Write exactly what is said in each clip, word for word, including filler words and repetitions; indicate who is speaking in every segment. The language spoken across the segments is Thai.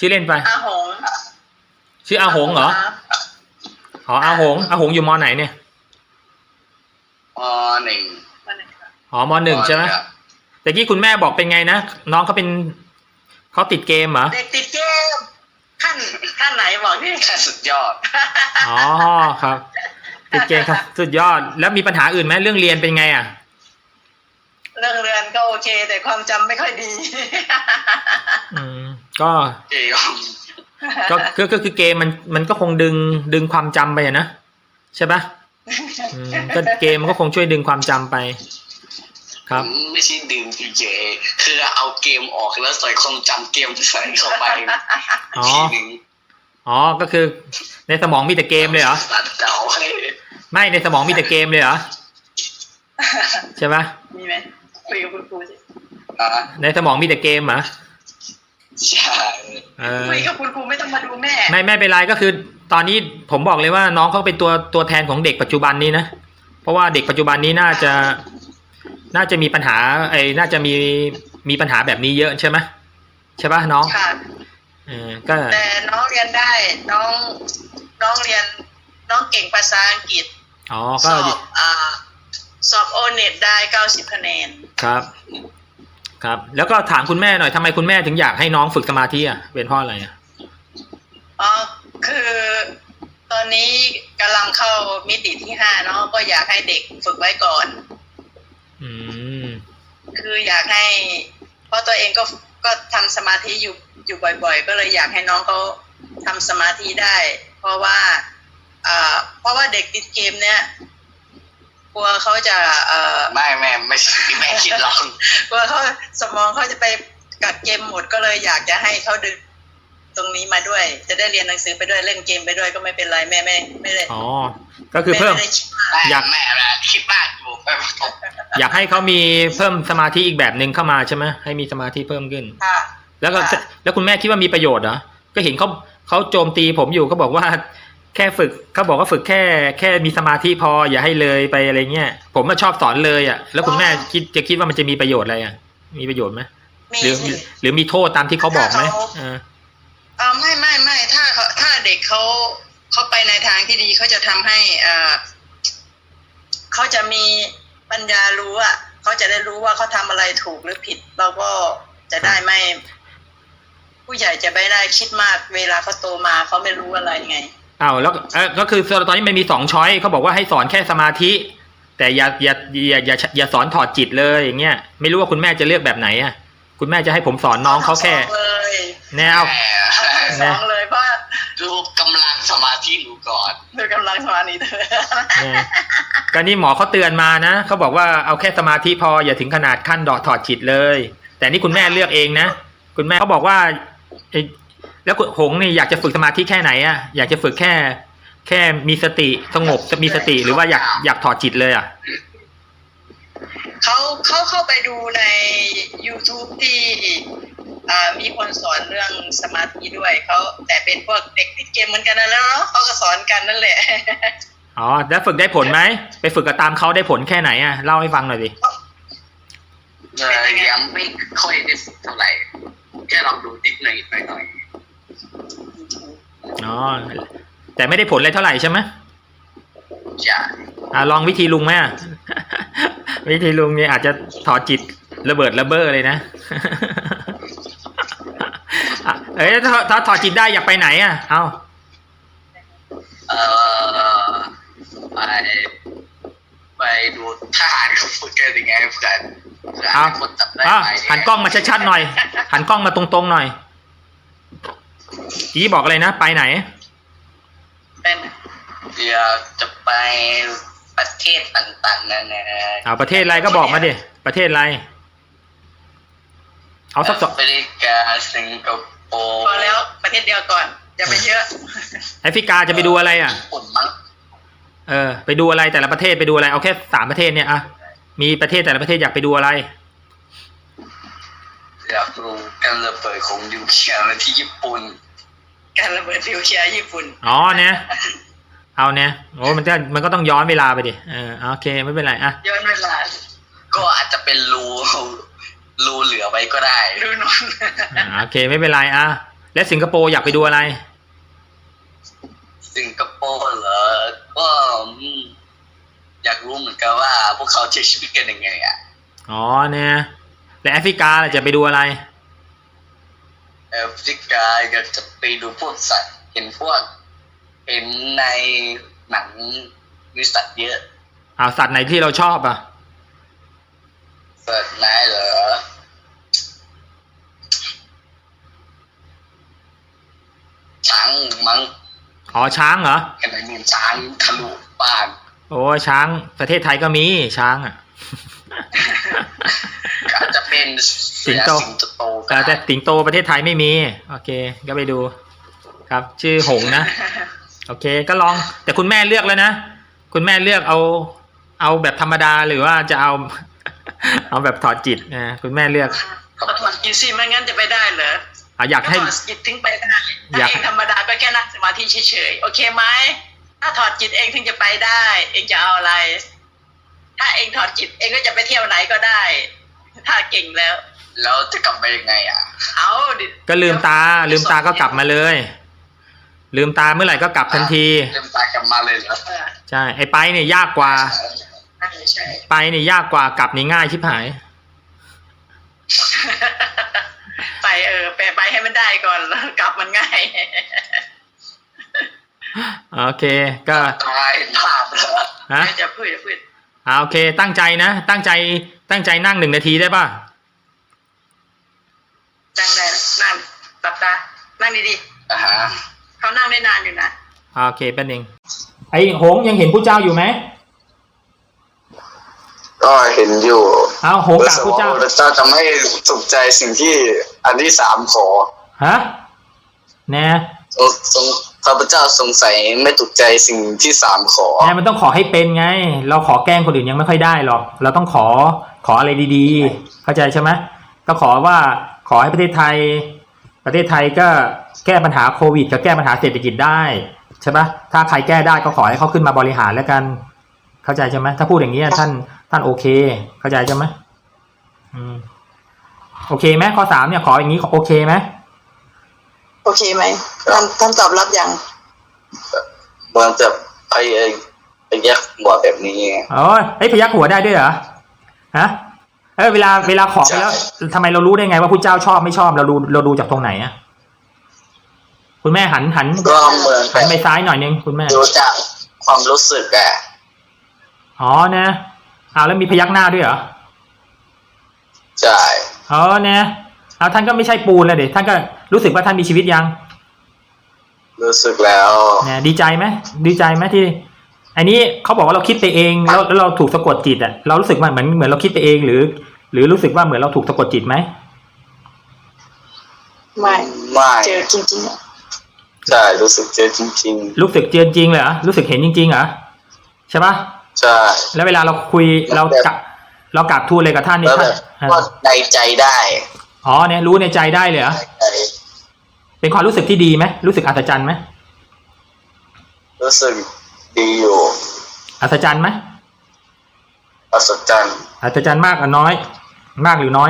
Speaker 1: ชื่อเล่นไป
Speaker 2: อาหง
Speaker 1: ชื่ออาหงเหรออ๋ออาหงอาหงอยู่มอไหนเนี่ย
Speaker 3: มหนึ่ง
Speaker 1: อ๋อมหนึ่งใช่ไหมแต่กี้คุณแม่บอกเป็นไงนะน้องเขาเป็นเขาติดเกมเหรอ
Speaker 2: เด็กติดเกมขั้นขั้นไหนบอกที่
Speaker 3: ขั้นสุดยอด
Speaker 1: อ๋อครับติดเกมครับสุดยอดแล้วมีปัญหาอื่นไหมเรื่องเรียนเป็นไงอ่ะ
Speaker 2: เรื่องเรียนก็โอเคแต่ความจำไม่ค่อยดี
Speaker 1: อืมก็ก็คือก็คือเกมมันมันก็คงดึงดึงความจำไปนะใช่ปะอืมก็เกมมันก็คงช่วยดึงความจำไปครับ
Speaker 3: ไม่ใช่ดึงเฉยๆคือเอาเกมออกแล้วใส่ความจำเกมใส่เข้าไป
Speaker 1: อ๋ออ๋อก็คือในสมองมีแต่เกมเลยเหรอไม่ในสมองมีแต่เกมเลยเหรอใช่ปะ
Speaker 2: มีไหมคุยกับคุณครูสิ
Speaker 1: ในสมองมีแต่เกมเหรอ
Speaker 3: ใช่
Speaker 2: คุยกับคุณครูไม่ต้องมาดูแม่
Speaker 1: ไม่ไม่เป็นไรก็คือตอนนี้ผมบอกเลยว่าน้องเขาเป็นตัวตัวแทนของเด็กปัจจุบันนี้นะเพราะว่าเด็กปัจจุบันนี้น่าจะน่าจะมีปัญหาไอ้น่าจะมีมีปัญหาแบบนี้เยอะใช่ไหมใช่ป่ะน้อง
Speaker 2: ค่ะ
Speaker 1: เออก็
Speaker 2: แต่น้องเรียนได้น้องน้องเรียนน้องเก่งภาษาอังกฤษ
Speaker 1: อ๋อ
Speaker 2: ก็สอบอ่าสอบโอเน็ตได้เก้าสิบคะแนน
Speaker 1: ครับครับแล้วก็ถามคุณแม่หน่อยทำไมคุณแม่ถึงอยากให้น้องฝึกสมาธิอ่ะเป็นเพราะอะไรอ่ะ
Speaker 2: อ๋อคือตอนนี้กำลังเข้ามิติที่ห้าเนาะก็อยากให้เด็กฝึกไว้ก่อน
Speaker 1: อืม
Speaker 2: คืออยากให้เพราะตัวเองก็ก็ทำสมาธิอยู่อยู่บ่อยๆก็เลยอยากให้น้องเขาทำสมาธิได้เพราะว่าอ่าเพราะว่าเด็กติดเกมเนี้ยกลัวเขาจะเอ่อ
Speaker 3: ไม่แม่ไม่แม่คิดหรอก
Speaker 2: กลัวเขาสมองเขาจะไปกัดเกมหมดก็เลยอยากจะให้เขาดึงตรงนี้มาด้วยจะได้เรียนหนังสือไปด้วยเล่นเกมไปด้วยก็ไม่เป็นไรแม่ไม่ไม่ได้
Speaker 1: อ๋อก็คือเพิ่ม
Speaker 3: อยากแม่คิดมากอยู่
Speaker 1: อยากให้เขามีเพิ่มสมาธิอีกแบบหนึ่งเข้ามาใช่ไหมให้มีสมาธิเพิ่มขึ้น
Speaker 2: ค่ะ
Speaker 1: แล้วก็แล้วคุณแม่คิดว่ามีประโยชน์เหรอก็เห็นเขาเขาโจมตีผมอยู่เขาบอกว่าแค่ฝึกเขาบอกว่าฝึกแค่แค่มีสมาธิพออย่าให้เลยไปอะไรเงี้ยผมก็ชอบสอนเลยอ่ะแล้วคุณแม่คิดจะคิดว่ามันจะมีประโยชน์อะไรอ่ะมีประโยชน์ไหมหรือหรือมีโทษตามที่เขาบอกไหม
Speaker 2: อ่าอ่าไม่ไม่ไม่ถ้าเขาถ้าเด็กเขาเขาไปในทางที่ดีเขาจะทำให้อ่าเขาจะมีปัญญารู้อ่ะเขาจะได้รู้ว่าเขาทำอะไรถูกหรือผิดเราก็จะได้ไม่ผู้ใหญ่จะไม่ได้คิดมากเวลาเขาโตมาเขาไม่รู้อะไรไง
Speaker 1: อ้าวแล้วเออก็คือตอนนี้มันมีสองช้อยเขาบอกว่าให้สอนแค่สมาธิแต่อย่าอย่าอย่าอย่าอย่าสอนถอดจิตเลยอย่างเงี้ยไม่รู้ว่าคุณแม่จะเลือกแบบไหนอ่ะคุณแม่จะให้ผมสอนน้องเขาแค่แนว
Speaker 2: สองเลยเพราะ
Speaker 3: ดูกำลังสมาธิดูก่อน
Speaker 2: ดูกำลังสมาธิเธอ
Speaker 1: ก็นี่หมอเขาเตือนมานะเขาบอกว่าเอาแค่สมาธิพออย่าถึงขนาดขั้นดอถอดจิตเลยแต่นี่คุณแม่เลือกเองนะคุณแม่เขาบอกว่าแล้วหงนี่อยากจะฝึกสมาธิแค่ไหนอ่ะอยากจะฝึกแค่แค่มีสติสงบจะมีสติหรือว่าอยากอยากถอดจิตเลยอ่ะ
Speaker 2: เขาเขาเข้าไปดูใน YouTube ที่มีคนสอนเรื่องสมาธิด้วยเขาแต่เป็นพวกเด็กติดเกมเหมือนกันนะแล้วเนาะเขาก็สอนกันนั่นแหละ
Speaker 1: อ๋อแล้วฝึกได้ผลไหมไปฝึกกับตามเขาได้ผลแค่ไหนอ่ะเล่าให้ฟังหน่อยดิ
Speaker 3: ยังไม่ค่อยได้เท่าไหร่แค่ลองดูนิดหน่อยหน่อย
Speaker 1: อ๋อแต่ไม่ได้ผลอะไรเท่าไหร่ใช่ไหม
Speaker 3: ใช่
Speaker 1: อ่าลองวิธีลุงไหมวิธีลุงเนี่ยอาจจะถอดจิตระเบิดระเบ้อเลยนะเอ้ยถ้าถ้าถอดจิตได้อยากไปไหนอ่ะเอา
Speaker 3: เออไปไปดูทหารเขาฝึกกันยังไงเพื่อน
Speaker 1: เอาหันกล้องมาชัดๆหน่อยหันกล้องมาตรงๆหน่อยกี้บอกอะไรนะไปไหน
Speaker 2: เป็น
Speaker 3: เดี๋ยวจะไปประเทศต่างๆนั่นนะ
Speaker 1: เอาประเทศอะไรก็บอกมาดิประเทศอะไรเอาสักสอง
Speaker 3: แอฟริกาสิงคโปร์
Speaker 2: พอแล้วประเทศเดียวก่อนอย่าไปเยอะ
Speaker 1: แอฟริกาจะไปดูอะไรอ่ะเออไปดูอะไรแต่ละประเทศไปดูอะไรเอาแค่สามประเทศเนี่ยอ่ะมีประเทศแต่ละประเทศอยากไปดูอะไร
Speaker 3: อยากรู้การระเบิดของนิวเคลียร์ที่ญี่ปุ่น
Speaker 2: การระเบิดนิวเคลียร์ญี่ปุ่น
Speaker 1: อ๋อเนี่ยเอาเนี่ยโอ้มันจะมันก็ต้องย้อนเวลาไปดิเออโอเคไม่เป็นไรอ่ะ
Speaker 2: ย้อนเวลา
Speaker 3: ก็อาจจะเป็นรูรูเหลือไว้ก็ได้
Speaker 2: รูนอน
Speaker 1: อ่าโอเคไม่เป็นไรอ่ะและสิงคโปร์อยากไปดูอะไร
Speaker 3: สิงคโปร์เหรอก็อืมอยากรู้เหมือนกันว่าพวกเขาใช้ชีวิตกันยังไงอ่ะ
Speaker 1: อ๋อเนี่ยและแอฟริกาล่ะจะไปดูอะไร
Speaker 3: แอฟริกาอยากจะไปดูพวกสัตว์เห็นพวกเห็นในหนังมีสัตว์เยอะ
Speaker 1: อ้าวสัตว์ไหนที่เราชอบอ่ะ
Speaker 3: สัตว์ไหนเหรอช้างมั้ง
Speaker 1: อ๋อช้างเหรอ
Speaker 3: เห็นไหมมีช้างทะลุบ้าน
Speaker 1: โอ้ช้างประเทศไทยก็มีช้างอ่ะ
Speaker 3: อาจจะเป็น
Speaker 1: สิงโต
Speaker 3: สิงโตก็
Speaker 1: แต่
Speaker 3: ได้
Speaker 1: แต่สิงโตประเทศไทยไม่มี โอเค ก็ไปดู ครับ ชื่อหงส์นะ โอเค ก็ลอง แต่คุณแม่เลือกแล้วนะ คุณแม่เลือกเอา เอาแบบธรรมดาหรือว่าจะเอา เอาแบบถอดจิตนะคุณแม่เลือก
Speaker 2: เขาถอดกินสิไม่งั้นจะไปได้เหรอ
Speaker 1: อ่ะอยากให้
Speaker 2: ถอดจิตถึงไปได้
Speaker 1: อ
Speaker 2: ถ้าย
Speaker 1: าก
Speaker 2: เองธรรมดาก็แค่นั่งสมาธิเฉยๆโอเคไหมถ้าถอดจิตเองถึงจะไปได้ เองจะเอาอะไร ถ้าเองถอดจิตเองก็จะไปเที่ยวไหนก็ได้ ถ้าเก่งแล้ว
Speaker 3: แล้วจะกลับไปยังไงอ่ะ
Speaker 2: เอาดิ
Speaker 1: ก็ลืมตา ลืมตาก็กลับมาเลย ลืมตาเมื่อไหร่ก็กลับทันที
Speaker 3: เริ่มตายกลับมาเลยเหรอ
Speaker 2: เออ
Speaker 1: ใช่ ไอ้ไปเนี่ยยากกว่า
Speaker 2: ใช่ใช่
Speaker 1: ไปเนี่ยยากกว่ากลับนี่ง่ายชิบหาย
Speaker 2: ไปเออไปไปให้มันได้ก่อนแล้วกลับมันง่าย
Speaker 1: โอเค ก็
Speaker 3: ตายภาพเหรอ
Speaker 1: ฮะ
Speaker 2: จะพูดจะพูด
Speaker 1: อ่าโอเค ตั้งใจนะ ตั้งใจ ตั้งใจนั่งหนึ่งนาทีได้ป่ะ
Speaker 2: นั่งได้นั่งหลับตานั่งดี
Speaker 3: อ่าฮะ
Speaker 2: ๆเขานั่งได้นานอยู่นะ
Speaker 1: โอเคแป๊บนึงไอ้หงส์ยังเห็นผู้เจ้าอยู่ไหม
Speaker 4: ก็เห็นอยู่
Speaker 1: เอาหงส์กราบผู้เจ้า
Speaker 4: พระเจ้าจะไม่ถูกใจสิ่งที่อันที่สามขอ
Speaker 1: ฮะแน่
Speaker 4: ทรงทรงพระพุทธเจ้าสงสัยไม่ถูกใจสิ่งที่สามขอ
Speaker 1: แน่มันต้องขอให้เป็นไง เราขอแกล้งคนอื่นยังไม่ค่อยได้หรอก เราต้องขอ ขออะไรดีๆ เข้าใจใช่ไหมก็ขอว่า ขอให้ประเทศไทย ประเทศไทยก็แก้ปัญหาโควิดกับแก้ปัญหาเศรษฐกิจได้ใช่ปะถ้าใครแก้ได้ก็ขอให้เขาขึ้นมาบริหารแล้วกัน เข้าใจใช่ไหมถ้าพูดอย่างนี้ท่านท่านโอเค เข้าใจใช่ไหมอืมโอเคไหมข้อสามเนี่ยขออย่างนี้โอเคไหม
Speaker 2: โอเคไหมท่านท่านตอบรับยัง
Speaker 4: เหมือนจะไปไปแยกหัวแบบนี้
Speaker 1: อ๋อเฮ้ยพยักหัวได้ด้วยเหรอฮะเออเวลาเวลาขอไปแล้วทำไมเรารู้ได้ไงว่าผู้เจ้าชอบไม่ชอบเราดูเราดูจากตรงไหนอะคุณแม่หันหัน
Speaker 4: ก็เหมือน
Speaker 1: หันไปซ้ายหน่อยนึงคุณแม่
Speaker 4: ดูจากความรู้สึกอะ
Speaker 1: อ๋อนะเอาแล้วมีพยักหน้าด้วยเหรอ
Speaker 4: ใช่
Speaker 1: อ๋อนะเอาท่านก็ไม่ใช่ปูนเลยเด็ท่านก็รู้สึกว่าท่านมีชีวิตยัง
Speaker 4: รู้สึกแล้ว
Speaker 1: เนี่ยดีใจไหมดีใจไหมที่อันนี้เขาบอกว่าเราคิดไปเองแล้วแล้วเราถูกสะกดจิตอะเรารู้สึกว่าเหมือนเหมือนเราคิดไปเองหรือ หรือรู้สึกว่าเหมือนเราถูกสะกดจิตไหม
Speaker 2: ไม่
Speaker 4: ไม่
Speaker 2: เจอจริงๆอะ
Speaker 4: ใช่รู้สึกเจอจริง
Speaker 1: รู้สึกเจอจริงเหรอรู้สึกเห็นจริงๆเหรอใช่ปะ
Speaker 4: ๆใช่
Speaker 1: แล้วเวลาเราคุยเรากะเรากราบทูลเลยกับท่านนี่
Speaker 4: แล้ว
Speaker 1: ท่า
Speaker 4: แบ
Speaker 1: น
Speaker 4: บก็ในใจได้
Speaker 1: อ๋อเนี่ยรู้ในใจได้เลยเหรอ
Speaker 4: ในใจ
Speaker 1: เป็นความรู้สึกที่ดีไหมรู้สึกอัศจรรย์ไหม
Speaker 4: รู้สึกดีอยู่
Speaker 1: อัศจรรย์ไหม
Speaker 4: อัศจรรย์
Speaker 1: อัศจรรย์มากหรือน้อย มากหรือน้อย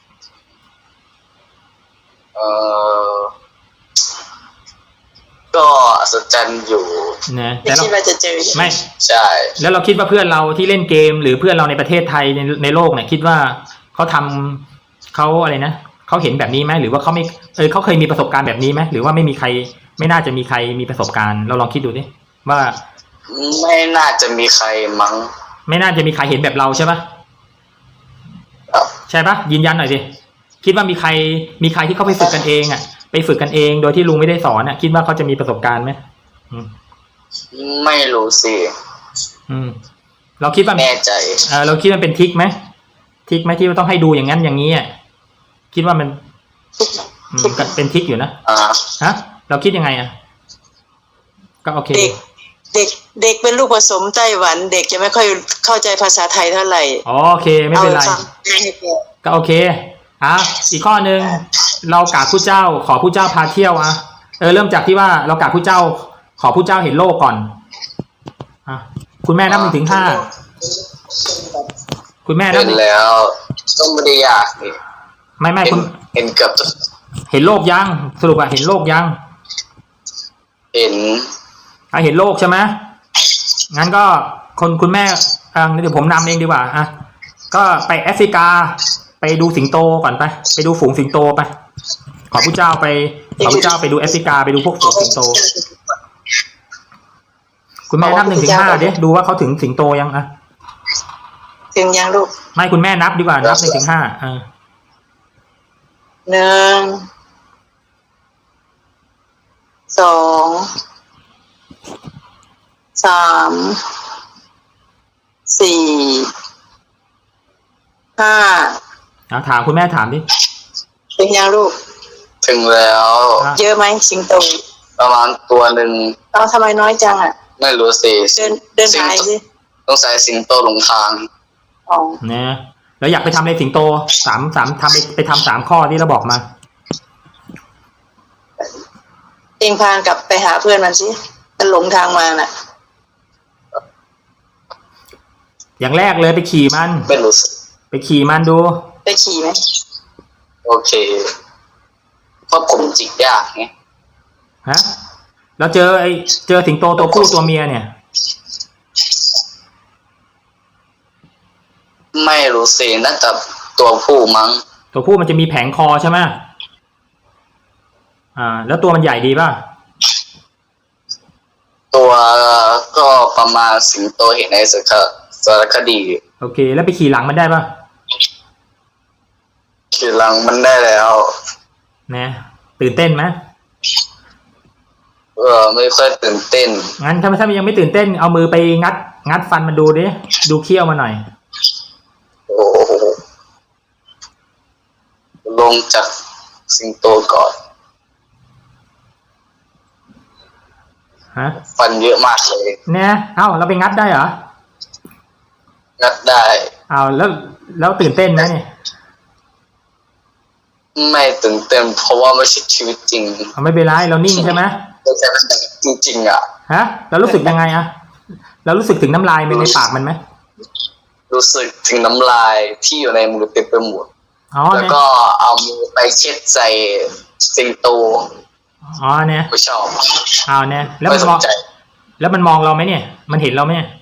Speaker 4: เอ่อก็อัศจรรย์อยู่
Speaker 1: นะ
Speaker 2: ไม่
Speaker 1: แต่เรา
Speaker 2: คิดว่าจะเจอ
Speaker 1: ไม่
Speaker 4: ใช่
Speaker 1: แล้วเราคิดว่าเพื่อนเราที่เล่นเกม หรือเพื่อนเราในประเทศไทยในในโลกเนี่ยคิดว่าเขาทำเขาอะไรนะเขาเห็นแบบนี้ไหมหรือว่าเขาไม่เออเขาเคยมีประสบการณ์แบบนี้ไหมหรือว่าไม่มีใคร ไม่น่าจะมีใครมีประสบการณ์เราลองคิดดูดิว่า
Speaker 4: ไม่น่าจะมีใครมั้ง
Speaker 1: ไม่น่าจะมีใครเห็นแบบเราใช่ปะ
Speaker 4: ครับ
Speaker 1: ใช่ปะยืนยันหน่อยสิคิดว่ามีใครมีใครที่เขาไปฝึกกันเองอ่ะไปฝึกกันเองโดยที่ลุงไม่ได้สอนอ่ะคิดว่าเขาจะมีประสบการณ์ไหมอืม
Speaker 4: ไม่รู้สิ
Speaker 1: อืมเราคิดว่า
Speaker 4: แน่ใจ
Speaker 1: เออเราคิดว่าเป็นทิกไหมทิกไหมที่ว่าต้องให้ดูอย่างนั้นอย่างนี้อ่ะคิดว่ามันอืมก็เป็นทิกอยู่นะ
Speaker 4: อ่า
Speaker 1: ฮะเราคิดยังไงอ่ะก็โอเค
Speaker 5: เด็กเด็กเด็กเป็นลูกผสมไต้หวัน เด็กจะไม่ค่อยเข้าใจภาษาไทยเท่าไหร่
Speaker 1: อ๋อโอเคไม่เป็นไร
Speaker 5: อาฟังให้แก
Speaker 1: ก็โอเคอ่ะอีกข้อหนึ่งเรากราบผู้เจ้า ขอผู้เจ้าพาเที่ยวอ่ะเออเริ่มจากที่ว่าเรากราบผู้เจ้า ขอผู้เจ้าเห็นโลกก่อนอ่ะคุณแม่นับหนึ่งถึงห้าคุณแม่นับ
Speaker 4: เห็นแล้วก็ไม่ได้ยากนี่
Speaker 1: ไม่ไม่
Speaker 4: เห็
Speaker 1: คุ
Speaker 4: น
Speaker 1: ณ
Speaker 4: เห็นเกือบทุก
Speaker 1: เห็นโลกยังสรุปอะเห็นโลกยัง
Speaker 3: เห็น
Speaker 1: อ่ะเห็นโลกใช่ไหมงั้นก็คนคุณแม่อ่าเดี๋ยวผมนำเองดีกว่าอ่ะก็ไปแอฟริกาไปดูสิงโตก่อนไปไปดูฝูงสิงโตไปขอพระเจ้าไปขอพระเจ้าไปดูแอฟริกาไปดูพวกฝูงสิงโต คุณแม่นับหนึ่งถึงห้าดิดูว่าเขาถึงสิงโตยังอะ
Speaker 5: ถึงยังลูก
Speaker 1: ไม่คุณแม่นับดีกว่านับหนึ่งถึงห้าอ่า
Speaker 5: หนึ่งสองสามสี่ห้า
Speaker 1: เอาถามคุณแม่ถามดิ
Speaker 5: ถึงยังลูก
Speaker 3: ถึงแล้ว
Speaker 5: เยอะไหมสิงโต
Speaker 3: ประมาณตัวหนึ่ง
Speaker 5: เราทำไมน้อยจังอ่ะ
Speaker 3: ไม่รู้สิ
Speaker 5: เดินเดินหายสิ
Speaker 3: ต้องใส่สิงโตหลงทาง
Speaker 5: อ๋อ
Speaker 1: เนี่ยแล้วอยากไปทำอะไรสิงโตสามสามทำไปไปทำสามข้อที่เราบอกมา
Speaker 5: เองพานกลับไปหาเพื่อนมันสิมันหลงทางมาน่ะ
Speaker 1: อย่างแรกเลยไปขี่มัน
Speaker 3: ไม่รู้สิ
Speaker 1: ไปขี่มันดู
Speaker 5: ไปขี่ไหม
Speaker 3: โอเคเพราะผมจิกยากไง
Speaker 1: ฮะแล้วเจอไอเจอสิงโตตัวผู้ตัวเมียเนี่ย
Speaker 3: ไม่รู้สิน่าจะตัวผู้มั้ง
Speaker 1: ตัวผู้มันจะมีแผงคอใช่ไหมอ่า แล้วตัวมันใหญ่ดีป่ะ
Speaker 3: ตัวก็ประมาณสิงโตเห็นในสารสารคดี
Speaker 1: โอเค แล้วไปขี่หลังมันได้ป่ะ
Speaker 3: ขี่หลังมันได้แล้ว
Speaker 1: นะตื่นเต้นไหม
Speaker 3: เออไม่ค่อยตื่นเต้น
Speaker 1: งั้นถ้าถ้ามันยังไม่ตื่นเต้นเอามือไปงัด งัดฟันมันดูดิดูเขี้ยวมาหน่อย
Speaker 3: โอ้โหลงจากสิงโตก่อน
Speaker 1: ฮะ
Speaker 3: ฟันเยอะมากเลย
Speaker 1: เนี่ยเอ้าเราไปงัดได้เหรอ
Speaker 3: งัดได้
Speaker 1: เอาแล้วแล้วตื่นเต้นไหมเนี่ย
Speaker 3: ไม่ตื่นเต้นเพราะว่าไม่ใช่ชีวิตจริง
Speaker 1: เอาไม่เป็นไรเรานิ่งใช่ไหม
Speaker 3: ไม่ใช่จริงๆอ่ะ
Speaker 1: ฮะเรารู้สึกยังไงอะเรารู้สึกถึงน้ำลายในในปากมันไหม
Speaker 3: รู้สึกถึงน้ำลายที่อยู่ในมือเต็มไปหมด
Speaker 1: อ๋อ
Speaker 3: แล้ว
Speaker 1: เนี่ย
Speaker 3: ก็เอามือไปเช็ดใส่สิงโต
Speaker 1: อ๋อเนี่ย
Speaker 3: ไม่ชอบ
Speaker 1: เอาเนี่ยแล้ว
Speaker 3: ไม่
Speaker 1: มัน
Speaker 3: ส
Speaker 1: มอน ง
Speaker 3: ใจ
Speaker 1: แล้วมันมองเราไหมเนี่ย มันเห็นเราไหมเนี่ย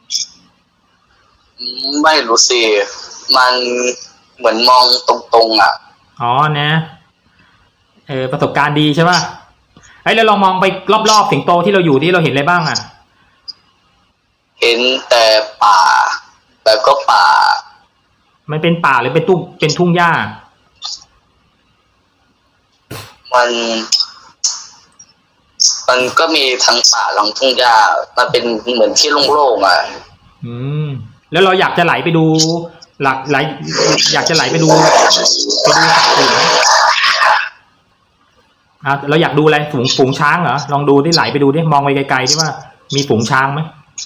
Speaker 3: ไม่รู้สิมันเหมือนมองตรงๆอ่ะ
Speaker 1: อ๋อเนี่ยเออประสบการณ์ดีใช่ป่ะไอ้ยแล้วลองมองไปรอบๆสิงโตที่เราอยู่ที่เราเห็นอะไรบ้างอ่ะ
Speaker 3: เห็นแต่ป่า แล้วก็ป่า
Speaker 1: มันเป็นป่าหรือเป็นตุ้งเป็นทุ่งหญ้า
Speaker 3: มัน มันก็มีทั้งป่าทั้งทุ่งหญ้ามันเป็นเหมือนที่โล่งๆอ่ะ
Speaker 1: อืมแล้วเราอยากจะไหลไปดู หลักไหลอยากจะไหลไปดูไปดูสัตว์อื่นไหมอ่ะเราอยากดูอะไรฝูงฝูงช้างเหรอลองดูที่ไหลไปดูดิมองไปไกลๆดิว่ามีฝูงช้างไหม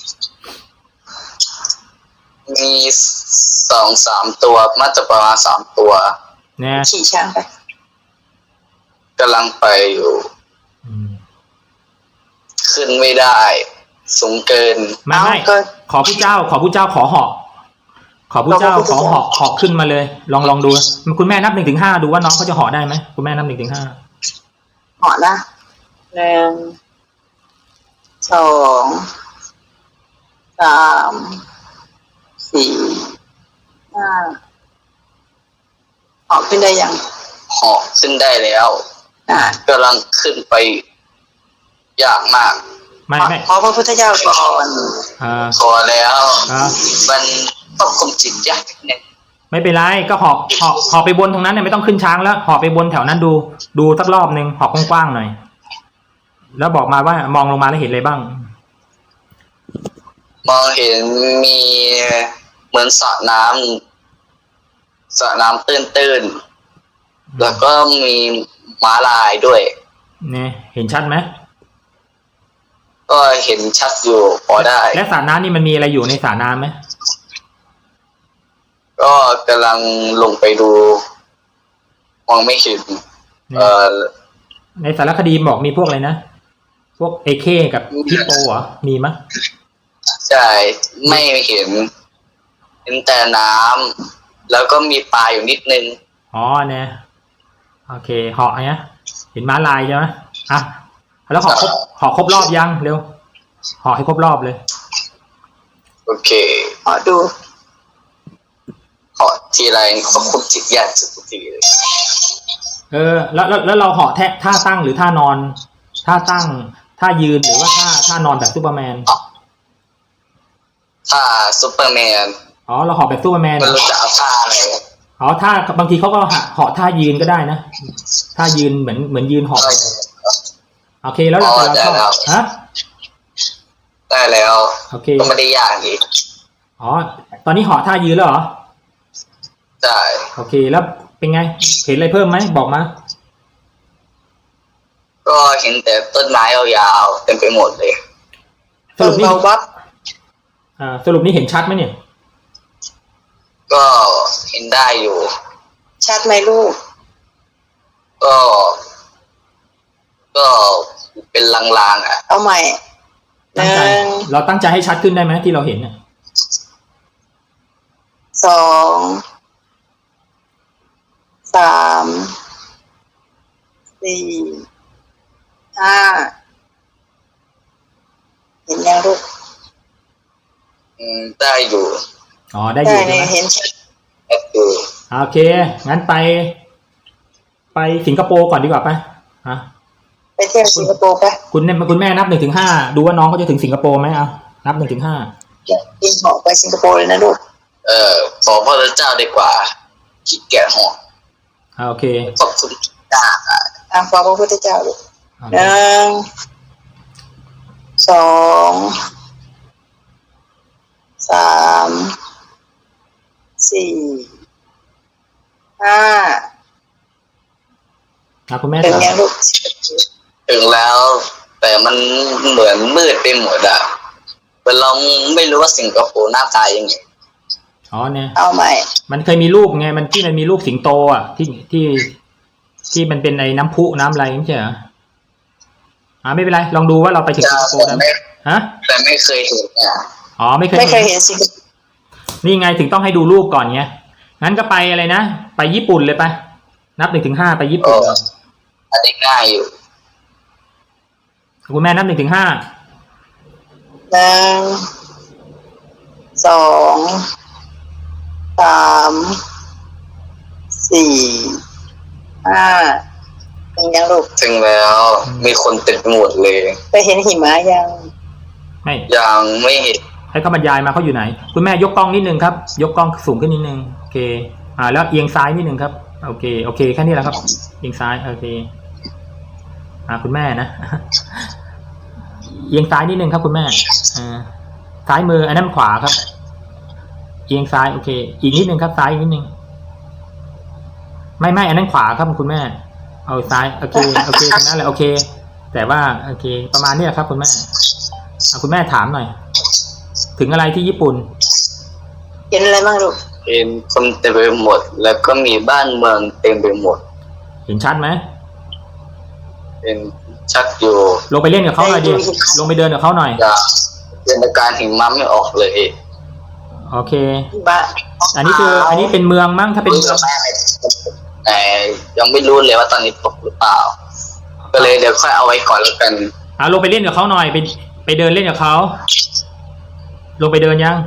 Speaker 3: มีสองสามตัวน่าจะประมาณสามตัว
Speaker 1: เนี่ย
Speaker 5: ขี่ช้างไป
Speaker 3: กำลังไปอยู่
Speaker 1: อืม
Speaker 3: ขึ้นไม่ได้ สูงเกิน
Speaker 1: ไม่ไม่
Speaker 5: ก็
Speaker 1: ขอผู้เจ้า ขอผู้เจ้าขอเหาะขอผู้เจ้าขอเหาะเหาะขึ้นมาเลย ลองลองดูคุณแม่นับหนึ่งถึงห้าดูว่าน้องเขาจะเหาะได้ไหมคุณแม่นับหนึ่งถึงห้า
Speaker 5: เหาะนะหนึ่งสองสามสี่ห้าเหาะขึ้นได้ยัง
Speaker 3: เหาะขึ้นได้แล้ว
Speaker 5: อ่าก
Speaker 3: ำลังขึ้นไปยากมาก
Speaker 1: ไม่ไม่
Speaker 5: ขอพระพุทธเจ้าก่อน
Speaker 1: อ่า
Speaker 3: พอแล้ว
Speaker 1: อ่า
Speaker 3: มันต้องคุมจิตยากนิดนึง
Speaker 1: ไม่เป็นไรก็เหาะเหาะเหาะไปบนตรงนั้นเนี่ยไม่ต้องขึ้นช้างแล้วเหาะไปบนแถวนั้นดู ดูสักรอบหนึ่งเหาะกว้างๆหน่อยแล้วบอกมาว่ามองลงมาแล้วเห็นอะไรบ้าง
Speaker 3: มองเห็นมีเหมือนสระน้ำสระน้ำตื้นๆแล้วก็มีม้าลายด้วย
Speaker 1: เนี่ยเห็นชัดไหม
Speaker 3: ก็เห็นชัดอยู่พอได้
Speaker 1: และสระน้ำนี่มันมีอะไรอยู่ในสระน้ำไหม
Speaker 3: ก็กำลังลงไปดู มองไม่เห็น
Speaker 1: เนี่ย
Speaker 3: เอ่อ
Speaker 1: ในสารคดีบอกมีพวกอะไรนะพวกเอเคกับฮิปโปเหรอมีมั้ย
Speaker 3: ใช่ไม่เห็น เห็นแต่น้ำแล้วก็มีปลาอยู่นิดนึง
Speaker 1: อ๋อเนี่ยโอเคเหาะเนี้ยเห็นม้าลายใช่ไหมอ่ะแล้วเหาะครบเหาะครบรอบยังเร็วเหาะให้ครบรอบเลย
Speaker 4: โอเค
Speaker 5: ขอดู
Speaker 4: ขอทีไรเขาคุมจิตยากสุดทุกทีเลย
Speaker 1: เออแล้วแล้วแล้วเราเหาะแทะท่าตั้งหรือท่านอนท่าตั้งท่ายืนหรือว่าท่าท่านอนแบบซูเปอร์แมน
Speaker 4: ถ้าซูเปอร์แมน
Speaker 1: อ๋อเราเหาะแบบซูเปอร์แมน
Speaker 4: ไม่รู้จะเอาท่าอะไร
Speaker 1: อ๋อท่าบางทีเขาก็เหาะท่ายืนก็ได้นะท่ายืนเหมือนเหมือนยืนเหาะโอเคแล้วเราจะเราชอบฮะ
Speaker 4: ได้แล้ว
Speaker 1: โอเค
Speaker 4: ก็ไม่ได้ยากอีก
Speaker 1: อ๋อตอนนี้เหาะท่ายืนแล้วเหรอ
Speaker 4: ใช่
Speaker 1: โอเคแล้วเป็นไงเห็นอะไรเพิ่มไหมบอกมา
Speaker 4: ก็เห็นแต่ต้นไม้ยาวๆเต็มไปหมดเลย
Speaker 1: สรุปนี่
Speaker 5: เบาวับ
Speaker 1: อ่าสรุปนี่เห็นชัดไหมเนี่ย
Speaker 4: ก็เห็นได้อยู่
Speaker 5: ชัดไหมลูก
Speaker 4: ก็ ก็เป็นลางๆอ่ะ
Speaker 5: เอาใหม่ห
Speaker 1: ตั้ง
Speaker 5: นึ่
Speaker 1: ใจ
Speaker 5: ง
Speaker 1: เราตั้งใจให้ชัดขึ้นได้ไหมที่เราเห็นเนี่ย
Speaker 5: สองสามสี่ห้าเห็นยังลูก
Speaker 4: อืมได้อยู่
Speaker 1: อ๋อได้อยู่ใช่
Speaker 5: เนี่
Speaker 1: ไหม
Speaker 5: ยเห็นชัด
Speaker 4: ได้อยู่
Speaker 1: โอเคงั้นไป ไปสิงคโปร์ก่อนดีกว่าไปอ่ะ
Speaker 5: ไปเที่ยวสิงคโปร์ปะ
Speaker 1: คุณเนี่ยคุณแม่นับหนึ่งถึงห้าดูว่าน้องเขาจะถึงสิงคโปร์ไหมเอานับหนึ่งถึงห้า
Speaker 5: บินเหาะไปสิงคโปร์เลยนะลูก
Speaker 4: เออขอพระเจ้าดีกว่าขี้เกียจหอก
Speaker 1: อ่าโอเค
Speaker 4: ขอบคุณจ้า
Speaker 5: ตามความพระพุทธเจ้าลูก
Speaker 1: โอ
Speaker 5: ห
Speaker 1: เค
Speaker 5: นึ่งสองสามสี่ห้า
Speaker 1: อ่ะคุณแม่
Speaker 5: ถึง
Speaker 1: ถาม
Speaker 5: ยังลูก
Speaker 4: ถึงแล้ว แต่มันเหมือนมืดไปหมดอะแต่เราไม่รู้ว่าสิงคโปร์หน้าตายังไง
Speaker 1: อ๋อเนี่ย
Speaker 5: เอาใหม่
Speaker 1: มันเคยมีรูปไงมันที่มันมีรูปสิงโตอ่ะที่ที่ที่มันเป็นไอ้น้ำพุน้ำอะไรไม่ใช่เหรออ่าไม่เป็นไรลองดูว่าเราไปถึงสิงคโปร์
Speaker 4: แต่
Speaker 1: ได้ไหม
Speaker 4: ไม่
Speaker 1: ฮะ
Speaker 4: แต่ไม่เคยเห็นอ่ะ
Speaker 1: อ๋อไม่เคย
Speaker 5: ไม่เคยเห็นสิงคโปร์
Speaker 1: นี่ไงถึงต้องให้ดูรูปก่อนไงงั้นก็ไปอะไรนะไปญี่ปุ่นเลยไปนับหนึ่งถึงห้าไปญี่ปุ่น
Speaker 4: อันนี้ง่ายอยู่
Speaker 1: คุณแม่นับหนึ่งถึงห้า
Speaker 5: หนึ่งสองสามสี่ห้าถึงยังลูก
Speaker 4: ถึงแล้วมีคนเต็มไปหมดเลย
Speaker 5: ไปเห็นหิมะยัง
Speaker 1: ไม่
Speaker 4: ยังไม่เห็น
Speaker 1: ให้เขาบรรยายมาเขาอยู่ไหน คุณแม่ยกกล้องนิดนึงครับ ยกกล้องสูงขึ้นนิดนึงโอเค อ่า แล้วเอียงซ้ายนิดนึงครับโอเคโอเคแค่นี้แหละครับเอียงซ้ายโอเค อ่าคุณแม่นะ เอียงซ้ายนิดนึงครับคุณแม่อ่าซ้ายมืออันนั้นขวาครับ เอียงซ้ายโอเค อีกนิดนึงครับซ้ายอีกนิดนึงไม่ไม่อันนั้นขวาครับคุณแม่ เอาซ้ายโอเคโอเคตรงนั้นแหละโอเค แต่ว่าโอเค ประมาณนี้แหละครับคุณแม่อ่ะคุณแม่ถามหน่อย ถึงอะไรที่ญี่ปุ่น
Speaker 5: เห็นอะไรบ้างลูก
Speaker 4: เห็นคนเต็มไปหมด แล้วก็มีบ้านเมืองเต็มไปหมด
Speaker 1: เห็นชัดไหม
Speaker 4: เป็นชัดอยู่
Speaker 1: ลงไปเล่นกับเขาหน่อยดิลงไปเดินกับเขาหน่อย
Speaker 4: จะเป็นอาการหิมะไม่ออกเลย
Speaker 1: โอเค
Speaker 5: บ้าน
Speaker 1: อันนี้คืออันนี้เป็นเมืองมั้งถ้าเป็น
Speaker 4: รู้
Speaker 1: เมื
Speaker 4: กั
Speaker 1: อบ ง
Speaker 4: แม่แต่ยังไม่รู้เลยว่าตอนนี้ตกหรือเปล่า ก็เลยเดี๋ยวค่อยเอาไว้ก่อนแล้วกัน
Speaker 1: อ่ะลงไปเล่นกับเขาหน่อยไปไปเดินเล่นกับเขาลงไปเดินยัง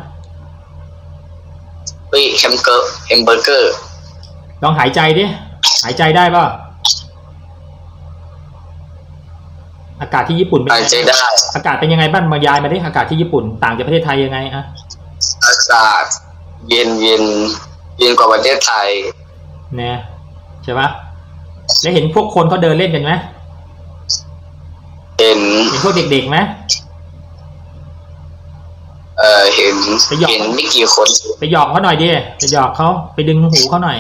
Speaker 4: เฮ้ยแฮมเกอร์แฮมเบอร์เกอร์
Speaker 1: ลองหายใจดิหายใจได้ป่ะอากาศที่ญี่ปุ่นเป็น
Speaker 4: หาย
Speaker 1: ไง
Speaker 4: ใจได้
Speaker 1: อากาศเป็นยังไงบ้างมายายมาดิอากาศที่ญี่ปุ่นต่างจากประเทศไทยยังไงอะ
Speaker 4: อากาศเย็นเย็นเย็นกว่าประเทศไทย
Speaker 1: เนี่ยใช่ปะแล้วเห็นพวกคนเขาเดินเล่นกันไหม
Speaker 4: เห็น
Speaker 1: เห็นพวกเด็กๆไหม
Speaker 4: เอ่อเห็นเห็นไม่กี่คน
Speaker 1: ไปหยอกเขาหน่อยดิไปหยอกเขาไปดึงหูเขาหน่อย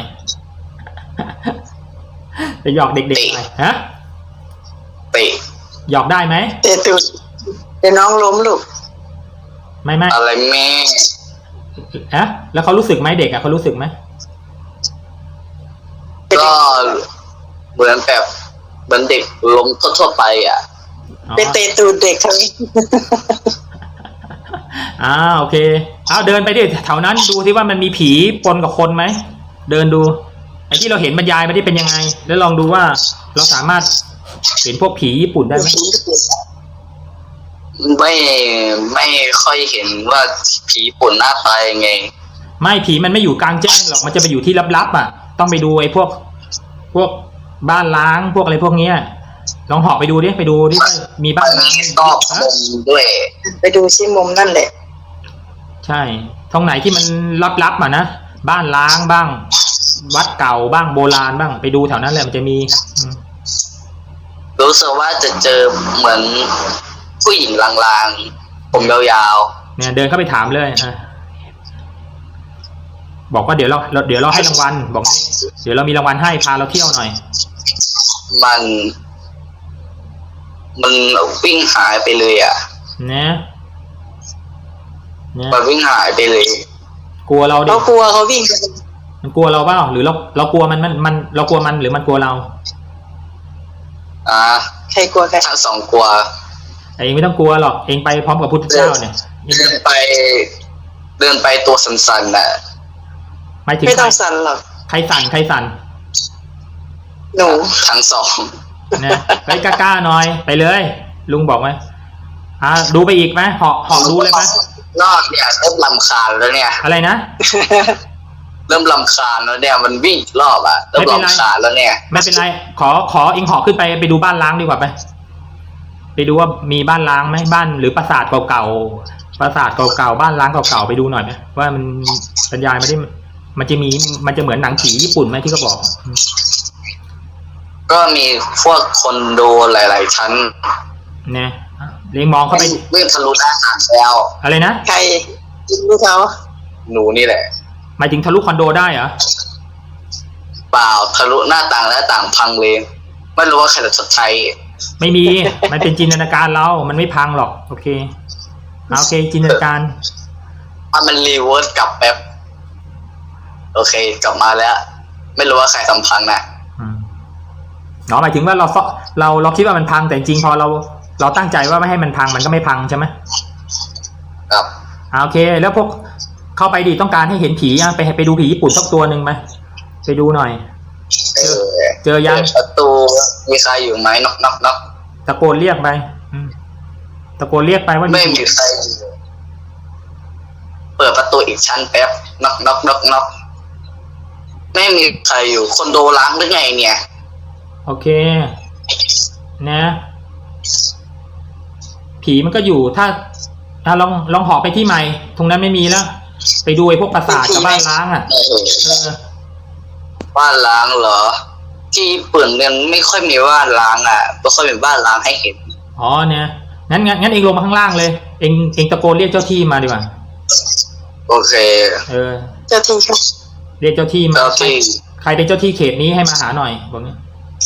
Speaker 1: ไปหยอกเด็กๆหน่อยฮะ
Speaker 4: เตะ
Speaker 1: หยอกได้ไหม
Speaker 5: เตะตูดเดี๋ยวน้องล้มลูก
Speaker 1: ไม่ไม่
Speaker 4: อะไรแม่
Speaker 1: ฮะแล้วเขารู้สึกไหมเด็กอะเขารู้สึกไหม
Speaker 4: ก็เหมือนแบบเหมือนเด็กล้มทั่วๆไปอ่ะ
Speaker 1: อ๋อ
Speaker 5: ไปเตะตูดเด็กเขา
Speaker 1: อ่าโอเคเอาเดินไปดิแถวนั้นดูที่ว่ามันมีผีปนกับคนไหมเดินดูอ้ที่เราเห็นบรรยายไม่ได้เป็นยังไง แล้วลองดูว่าเราสามารถเห็นพวกผีญี่ปุ่นได้ไหม
Speaker 4: ไม่ไม่ค่อยเห็นว่าผีญี่ปุ่นหน้าตายังไง
Speaker 1: ไม่ผีมันไม่อยู่กลางแจ้งหรอกมันจะไปอยู่ที่ลับๆอ่ะต้องไปดูไอ้พวกพวกบ้านล้างพวกอะไรพวกเนี้ยลองเหาะไปดูดิไปดูดิว่ามีบ้านล้าง
Speaker 4: มีซอกมุมด้วย
Speaker 5: ไปดูซิมุมนั่นแหละ
Speaker 1: ใช่ตรงไหนที่มันลับๆอ่ะนะบ้านล้างบ้าง วัดเก่าบ้างโบราณบ้างไปดูแถวนั้นแหละมันจะมีอืม
Speaker 4: รู้สึกว่าจะเจอเหมือนผู้หญิงลางๆผมยาว
Speaker 1: เนี่ยเดินเข้าไปถามเลยอ่ะบอกว่าเดี๋ยวเราเราเดี๋ยวเราให้รางวัลบอกเดี๋ยวเรามีรางวัลให้พาเราเที่ยวหน่อย
Speaker 4: ๆมัน มันวิ่งหายไปเลยอ่ะ
Speaker 1: นะเนี่ย
Speaker 4: มันวิ่งหายไปเลย
Speaker 1: กลัวเราดิ
Speaker 5: เขากลัวเขาวิ่งไป
Speaker 1: มันกลัวเราเปล่าหรือเราเรากลัวมันมันมันเรากลัวมันหรือมันกลัวเรา
Speaker 4: อ่า
Speaker 5: ใครกลัวใคร
Speaker 4: ทั้งสองกลัว
Speaker 1: เองไม่ต้องกลัวหรอกเองไปพร้อมกับพุทธเจ้าเนี่ย
Speaker 4: เดินไป เดินไปตัวสั่นๆน่ะ
Speaker 1: หมายถึง
Speaker 5: ไม่
Speaker 1: ใคร
Speaker 5: ต้องสั่นหรอก
Speaker 1: ใครสั่นใครสั่น
Speaker 5: หนู
Speaker 4: ทั้งสอง
Speaker 1: นะไปกล้าๆหน่อยไปเลย ลุงบอกไหมอ่าดูไปอีกไหมเหาะเหาะดูเลยไหม
Speaker 4: นอกเนี่ยเริ่มลำคาญแล้วเนี่ย
Speaker 1: อะไรนะ
Speaker 4: เริ่มลำคาญแล้วเนี่ยมันวิ่งอีกรอบอ่ะเริ่ม
Speaker 1: ไม่เป็นไร
Speaker 4: ลำคาญแล้วเนี่ย
Speaker 1: ไม่เป็นไรขอขอเองเหาะขึ้นไปไปดูบ้านล้างดีกว่าไปไปดูว่ามีบ้านล้างไหมบ้านหรือปราสาทเก่าๆปราสาทเก่าๆบ้านล้างเก่าๆไปดูหน่อยไหมว่ามันบรรยายไม่ได้มันจะมีมันจะเหมือนหนังผีญี่ปุ่นไหมที่เขาบอก
Speaker 4: ก็มีพวกคนโดหลาย ๆ ชั้น
Speaker 1: เนี่ยเลี้ยงมองเข้าไป
Speaker 4: วิ่งทะลุหน้าต่างแล้ว
Speaker 1: อะไรนะ
Speaker 5: ใครกินลูกเขา
Speaker 4: หนูนี่แหละ
Speaker 1: หมายถึงทะลุคอนโดได้เหรอ
Speaker 4: เปล่าทะลุหน้าต่างและต่างพังเลยไม่รู้ว่าใครจะชดใช้
Speaker 1: ไม่มี มันเป็นจินตนาการเรา มันไม่พังหรอก โอเคเอาโอเค จินตนาการ
Speaker 4: อ่ะมันรีเวิร์สกลับแป๊บโอเค กลับมาแล้ว ไม่รู้ว่าใครทำพังนะ
Speaker 1: อืมเนาะหมายถึงว่าเราเราเราเราคิดว่ามันพังแต่จริงพอเราเราตั้งใจว่าไม่ให้มันพังมันก็ไม่พังใช่ไหม
Speaker 4: ครับ
Speaker 1: อ่าโอเค แล้วพวกเข้าไปดิต้องการให้เห็นผีอ่ะไปไปดูผีญี่ปุ่นสักตัวหนึ่งไหมไปดูหน่อย
Speaker 4: เออ
Speaker 1: เจอยัง
Speaker 4: เปิดประตูมีใครอยู่ไหมน็อกน็อกน็อก
Speaker 1: ตะโกนเรียกไปอืมตะโกนเรียกไปว่า
Speaker 4: ไม่มีใครอยู่เปิดประตูอีกชั้นแป๊บน็อกน็อกน็อกน็อกไม่มีใครอยู่คอนโดล้างหรือไงเนี่ย
Speaker 1: โอเค นะ ผีมันก็อยู่ถ้าอ่ะลองลองเหาะไปที่ใหม่ ตรงนั้นไม่มีแล้ว ไปดูไอ้พวกปราสาทกับบ้านล้างอ่ะ
Speaker 4: เออ
Speaker 1: เออ
Speaker 4: บ้านล้างเหรอ ที่ญี่ปุ่นเนี่ยไม่ค่อยมีบ้านล้างอ่ะไม่ค่อยมีบ้านล้างให้เห็น
Speaker 1: อ๋อเนี่ยงั้นงั้นงั้นเองลงมาข้างล่างเลย เองเองตะโกนเรียกเจ้าที่มาดีกว่า
Speaker 4: โอเค
Speaker 1: เออ
Speaker 5: เจ้าที่เขา
Speaker 1: เรียกเจ้าที่มา
Speaker 4: เจ้าที่
Speaker 1: ใครเป็นเจ้าที่เขตนี้ให้มาหาหน่อยบอกนี้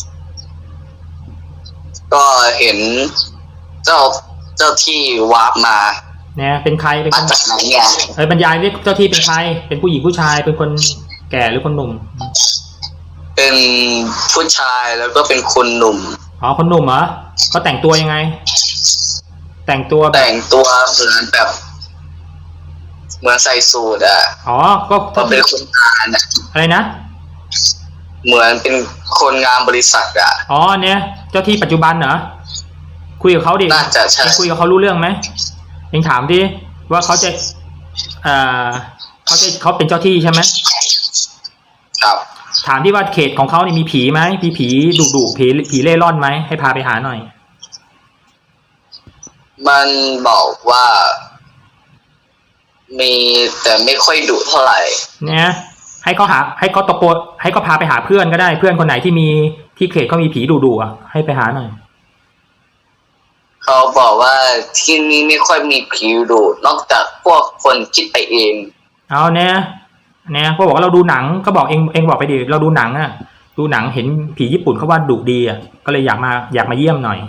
Speaker 4: ก็เห็นเจ้าเจ้าที่วาร์ปมา
Speaker 1: เนี่ยเป็นใครเป็น
Speaker 4: มา
Speaker 1: คน
Speaker 4: จากไหนเนี่ย
Speaker 1: เออบรรยายเรียกเจ้าที่เป็นใครเป็นผู้หญิงผู้ชายเป็นคนแก่หรือคนหนุ่ม
Speaker 4: เป็นผู้ชายแล้วก็เป็นคนหนุ่ม
Speaker 1: อ๋อคนหนุ่มเหรอเขาแต่งตัวยังไง แต่งตัวแบบ
Speaker 4: แต่งตัวเหมือนแบบ เหมือนใส่สูทอ่ะ
Speaker 1: อ๋อก็
Speaker 4: ก็เป็นคนงานอ่ะ
Speaker 1: อะไรนะ
Speaker 4: เหมือนเป็นคนงานบริษัทอ่ะ
Speaker 1: อ๋อเนี่ยเจ้าที่ปัจจุบันเหรอคุยกับเขาดิ
Speaker 4: น่าจะใช่
Speaker 1: เองคุยกับเขารู้เรื่องไหมเองถามดิว่าเขาจะเอ่อเขาจะเขาเป็นเจ้าที่ใช่ไหม
Speaker 4: ครับ
Speaker 1: ถามที่ว่าเขตของเขานี่มีผีไหมมีผีดุดุผีผีเล่ร่อนไหมให้พาไปหาหน่อย
Speaker 4: มันบอกว่า มีแต่ไม่ค่อยดุเท่าไหร่
Speaker 1: เนี่ยให้เขาหาให้เขาตะโกนให้เขาพาไปหาเพื่อนก็ได้เพื่อนคนไหนที่มีที่เขตเขามีผีดุดุอ่ะให้ไปหาหน่อย
Speaker 4: เขาบอกว่าที่นี่ไม่ค่อยมีผีดุนอกจากพวกคนคิดไปเอง
Speaker 1: เอาเนี่ยเนี่ยเขาบอกว่าเราดูหนังก็บอกเองเองบอกไปดิเราดูหนังอ่ะดูหนังเห็นผีญี่ปุ่นเขาว่าดุดีอ่ะก็เลยอยากมาอยากมาเยี่ยมหน่อย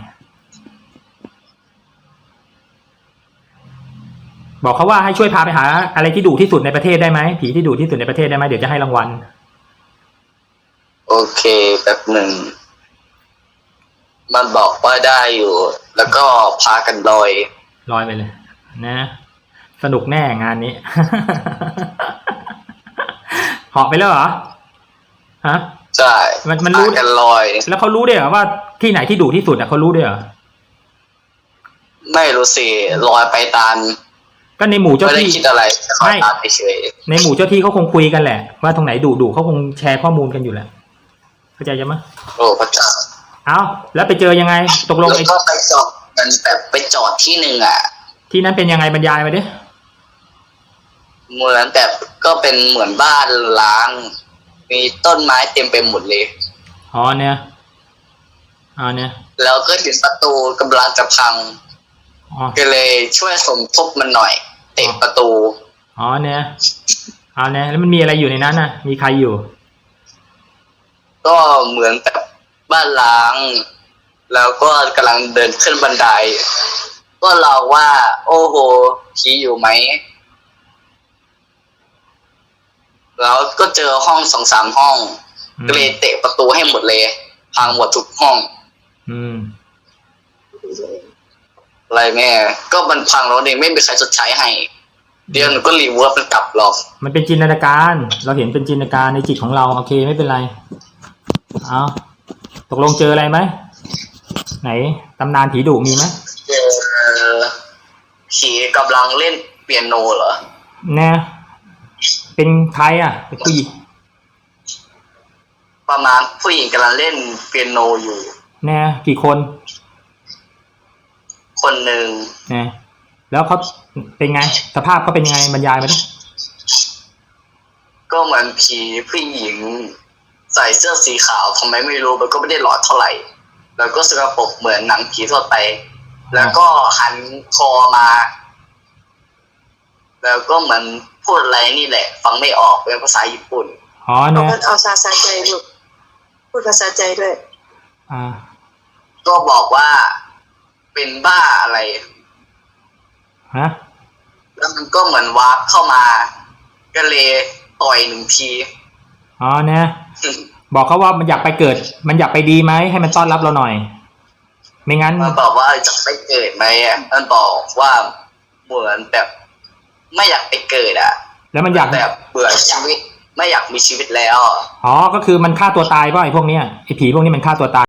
Speaker 1: บอกเขาว่าให้ช่วยพาไปหาอะไรที่ดุที่สุดในประเทศได้ไหมผีที่ดุที่สุดในประเทศได้ไหมเดี๋ยวจะให้รางวัล
Speaker 4: โอเคแป๊บหนึ่งมันบอกว่าได้อยู่ แล้วก็พากันลอย
Speaker 1: ลอยไปเลย นะ สนุกแน่งานนี้ เหาะไปแล้วเหรอฮะ
Speaker 4: ใช่
Speaker 1: มันมันรู้
Speaker 4: อาจจะลอย
Speaker 1: แล้วเขารู้ด้วยเหรอว่าที่ไหนที่ดุที่สุดอ่ะเขารู้ด้วยเหรอ
Speaker 4: ไม่รู้สิลอยไปตาม
Speaker 1: ก็ในหมู่เจ้า
Speaker 4: ไม่ได้
Speaker 1: ที่
Speaker 4: คิดอะไรลอยตามไปเฉย
Speaker 1: ในหมู่เจ้าที่เขาคงคุยกันแหละ ว่าตรงไหนดุดุเขาคงแชร์ข้อมูลกันอยู่แหละเข้าใจยังไหม
Speaker 4: โอ้พระเจ้า
Speaker 1: เอาแล้วไปเจอยังไงตกลง
Speaker 4: แล้ว
Speaker 1: ไอ้
Speaker 4: ก็ไปจอดมันแบบไปจอดที่หนึ่งอ่ะ
Speaker 1: ที่นั้นเป็นยังไงบรรยายมาดิ
Speaker 4: เหมือนแบบก็เป็นเหมือนบ้านล้าง มีต้นไม้เต็มไปหมดเลย
Speaker 1: อ๋อเนี่ยอ๋อเนี่ย
Speaker 4: แล้วก็เห็นประตูกำลังจะพัง
Speaker 1: อ๋อ
Speaker 4: ก็เลยช่วยสมทบมันหน่อยเตะประตู
Speaker 1: อ๋อเนี่ยอ๋อเนี่ยแล้วมันมีอะไรอยู่ในนั้นน่ะ มีใครอยู่
Speaker 4: ก็เหมือนแบบบ้านล้าง แล้วก็กำลังเดินขึ้นบันได ก็เราว่า โอ้โหผีอยู่ไหม แล้วก็เจอห้องสองสามห้อง
Speaker 1: อืม
Speaker 4: ก็เลยเตะประตูให้หมดเลย พังหมดทุกห้อง
Speaker 1: อืม
Speaker 4: อะไรแม่ ก็มันพังแล้วเนี่ยไม่มีใครชดใช้ให้ เดี๋ยวหนูก็รีเวิร์สมันกลับหรอก
Speaker 1: มันเป็นจินตนาการ เราเห็นเป็นจินตนาการในจิตของเราโอเคไม่เป็นไรเอาตกลงเจออะไรไหมไหนตำนานผีดุมีไหม
Speaker 4: เจอผีกำลังเล่นเปียโนเหรอ
Speaker 1: แน่เป็นใครอ่ะเป็นผู้หญิง
Speaker 4: ประมาณผู้หญิงกำลังเล่นเปียโนอยู่
Speaker 1: แน่กี่คน
Speaker 4: คนหนึ่ง
Speaker 1: แน่แล้วเขาเป็นไงสภาพเขาเป็นยังไงบรรยายมาดิ
Speaker 4: ก็เหมือนผีผู้หญิง ใส่เสื้อสีขาวทำไมไม่รู้มันก็ไม่ได้หลอดเท่าไหร่ แล้วก็สกปรกเหมือนหนังผีทั่วไป แล้วก็หันคอมา แล้วก็เหมือนพูดอะไรนี่แหละ ฟังไม่ออกเป็นภาษาญี่ปุ่น
Speaker 1: อ๋อ
Speaker 5: เอา
Speaker 1: เนี่ย
Speaker 5: เอาภาษาใจลูกพูดภาษาใจด้วย
Speaker 1: อ่า
Speaker 4: ก็บอกว่าเป็นบ้าอะไร
Speaker 1: ฮะ
Speaker 4: แล้วมันก็เหมือนวาร์ปเข้ามา ก็เลยต่อยหนึ่งที
Speaker 1: อ๋อเนี่ยบอกเขาว่ามันอยากไปเกิด มันอยากไปดีไหมให้มันต้อนรับเราหน่อย ไม่งั้น
Speaker 4: มันบอกว่าจะไปเกิดไหมอ่ะมันบอกว่าเหมือนแบบไม่อยากไปเกิดอ่ะ
Speaker 1: แล้วมันอยาก
Speaker 4: แบบเบื่อชีวิต ไม่อยากมีชีวิตแล้ว
Speaker 1: อ๋อก็คือมันฆ่าตัวตายป่ะไอ้พวกเนี้ยไอ้ผีพวกนี้มันฆ่าตัวตาย